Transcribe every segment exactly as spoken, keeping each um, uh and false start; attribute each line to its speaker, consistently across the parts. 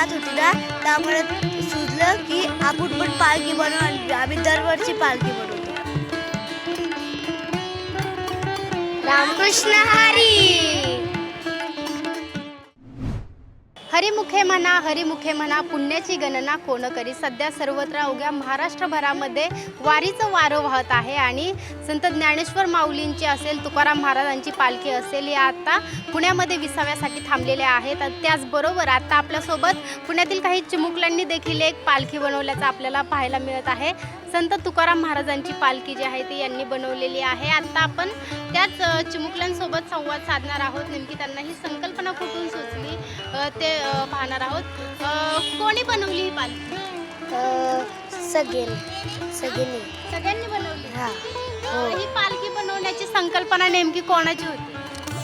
Speaker 1: जात होती ना तर आम्हाला सुचलं की आपण पण पालखी बनवू आणि आम्ही दरवर्षी पालखी बनवतो.
Speaker 2: रामकृष्ण हरी.
Speaker 3: हरिमुखे म्हणा हरिमुखे म्हणा पुण्याची गणना कोण करी. सध्या सर्वत्र अवघ्या महाराष्ट्रभरामध्ये वारीचं वारं वाहत आहे आणि संत ज्ञानेश्वर माऊलींची असेल, तुकाराम महाराजांची पालखी असेल, या आता पुण्यामध्ये विसाव्यासाठी थांबलेल्या आहेत. त्याचबरोबर आता आपल्यासोबत पुण्यातील काही चिमुकल्यांनी देखील एक पालखी बनवल्याचं आपल्याला पाहायला मिळत आहे. संत तुकाराम महाराजांची पालखी जी आहे ती यांनी बनवलेली आहे. आता आपण त्याच चिमुकल्यांसोबत संवाद साधणार आहोत. नेमकी त्यांना ही संकल्पना कुठून सुचली ते पाहणार आहोत. कोणी बनवली ही पालखी?
Speaker 1: सगळ्यांनी सगळ्यांनी
Speaker 3: सगळ्यांनी बनवली.
Speaker 1: हां.
Speaker 3: ही पालखी बनवण्याची संकल्पना नेमकी कोणाची होती?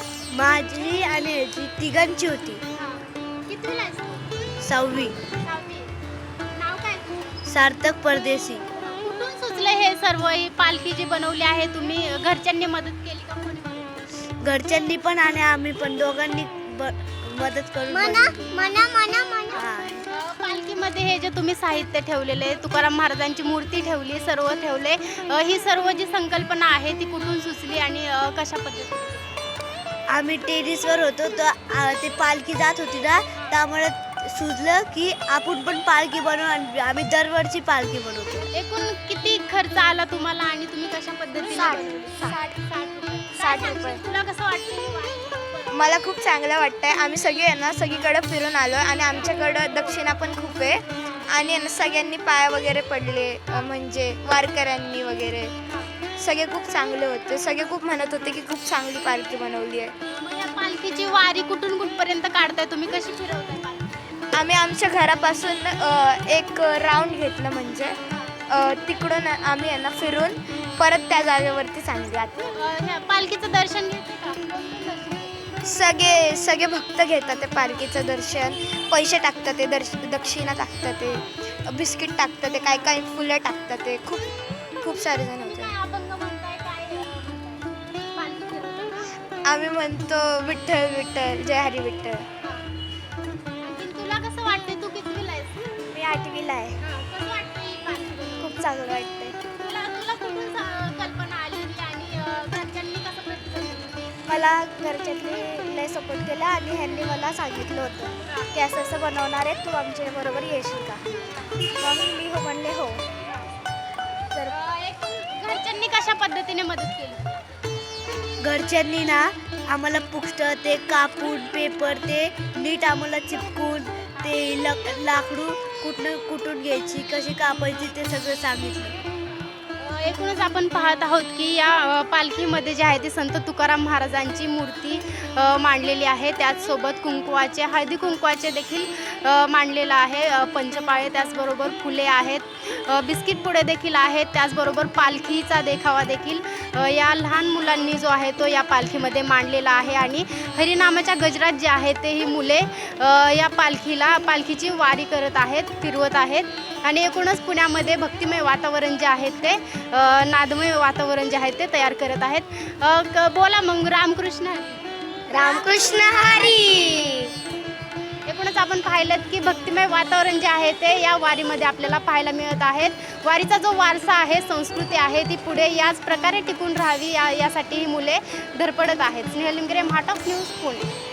Speaker 1: माझी आणि याची तिघांची होती.
Speaker 3: कितवीला आहेस तू?
Speaker 1: सहावी.
Speaker 3: सहावी. नाव काय तुझं?
Speaker 1: सार्थक परदेशी.
Speaker 3: कुठून सुचलं हे सर्व? ही पालखी जी बनवली आहे तुम्ही घरच्यांनी मदत केली का? कोणी बनवली?
Speaker 1: घरच्यांनी पण आणि आम्ही पण दोघांनी ब- मदत करून
Speaker 2: मना
Speaker 1: बनवली.
Speaker 2: मना मना मना.
Speaker 1: हां.
Speaker 3: अ, पालखीमध्ये हे जे तुम्ही साहित्य ठेवलेले, तुकाराम महाराजांची मूर्ती ठेवली, सर्व ठेवले, अ, ही सर्व जी संकल्पना आहे ती कुठून सुचली आणि अ, कशा पद्धतीने?
Speaker 1: आम्ही टेरिसवर होतो तर आ, ते पालखी जात होती ना तर आम्हाला सुचलं की आपण पण पालखी बनवू आणि आम्ही दरवर्षी पालखी बनवतो.
Speaker 3: एकूण किती खर्च आला तुम्हाला आणि तुम्ही कशा पद्धतीने
Speaker 2: साठ.
Speaker 3: बनवली? साठ साठ रुपये.
Speaker 2: साठ
Speaker 3: काय
Speaker 2: रुपये.
Speaker 3: सांगशील? तुला कसं वाटतं?
Speaker 2: मला खूप चांगलं वाटतंय. आम्ही सगळे आहे ना सगळीकडे फिरून आलो आणि आमच्याकडं दक्षिणा पण खूप आहे आणि आहे ना सगळ्यांनी पाया वगैरे पडले, अ, म्हणजे वारकऱ्यांनी वगैरे सगळे खूप चांगले होते. सगळे खूप म्हणत होते की खूप चांगली पालखी बनवली आहे.
Speaker 3: मग या पालखीची वारी कुठून कुठपर्यंत काढताय तुम्ही? कशी फिरवताय पालखी?
Speaker 2: आम्ही आमच्या घरापासून अ, एक राऊंड घेतलं, म्हणजे अ, तिकडून आम्ही आहे ना फिरून परत त्या जागेवरती चांगली आता.
Speaker 3: अ, ह्या पालखीचं दर्शन घेते का? कोण कोण दर्शन घेते?
Speaker 2: सगळे सगळे भक्त घेतात ते पालखीचं दर्शन, पैसे टाकतात ते, दर्श दक्षिणा टाकतात ते, बिस्किट टाकतात ते, काय काय फुलं टाकतात ते, खूप खूप सारे जण होते.
Speaker 3: काय अभंग म्हणताय? काय अ, म्हणताय? पालखी फिरवताना?
Speaker 2: आम्ही म्हणतो विठ्ठल विठ्ठल जय हरी विठ्ठल.
Speaker 3: आणखीन तुला कसं वाटतंय? तू कितवीला आहेस?
Speaker 1: मी आठवीला आहे.
Speaker 3: कसं वाटतंय ही पालखी बनवून?
Speaker 1: खूप चांगलं वाटतंय.
Speaker 3: तुला तुला कुठून सा- कल्पना आलेली आणि अ, घरच्यांनी कसं प्रतिसाद दिला?
Speaker 1: मला घरच्यांनी लय सपोर्ट केला आणि ह्यांनी मला सांगितलं होतं की असं असं बनवणार आहे, तू आमच्या बरोबर येशील का? मग मी हो म्हणले हो. तर
Speaker 3: अ, एकूण घरच्यांनी कशा पद्धतीने मदत केली?
Speaker 1: घरच्यांनी ना आम्हाला पुस्तक ते कापून पेपर ते नीट आम्हाला चिपकून ते लक लाकडू कुठनं कुठून घ्यायची, कशी कापायची ते सगळं सांगितलं.
Speaker 3: अ, एकूणच आपण पाहत आहोत की या अ, पालखीमध्ये जे आहे ते संत तुकाराम महाराजांची मूर्ती अ, मांडलेली आहे. त्याचसोबत कुंकवाचे, हळदी कुंकवाचे देखील अ, मांडलेलं आहे. अ, पंचपाळे, त्याचबरोबर फुले आहेत, अ, बिस्किट पुडे देखील आहेत, त्याचबरोबर पालखीचा देखावा देखील अ, या लहान मुलांनी जो आहे तो या पालखीमध्ये मांडलेला आहे. आणि हरिनामाच्या गजरात जे आहे ते ही मुले अ, या पालखीला पालखीची वारी करत आहेत, फिरवत आहेत. आणि एकूणच पुण्यामध्ये भक्तिमय वातावरण जे आहे ते अ, नादमय वातावरण जे आहे ते तयार करत आहेत. अ, क- बोला मग रामकृष्ण हरी.
Speaker 2: रामकृष्ण हरी.
Speaker 3: एकूणच आपण पाहिलं की भक्तिमय वातावरण जे आहे ते या वारीमध्ये आपल्याला पाहायला मिळत आहेत. वारीचा जो वारसा आहे, संस्कृती आहे, ती पुढे याच प्रकारे टिकून राहावी या यासाठी ही मुले धडपडत आहेत. स्नेहल लिमगिरे, महाटॉक न्यूज, पुणे.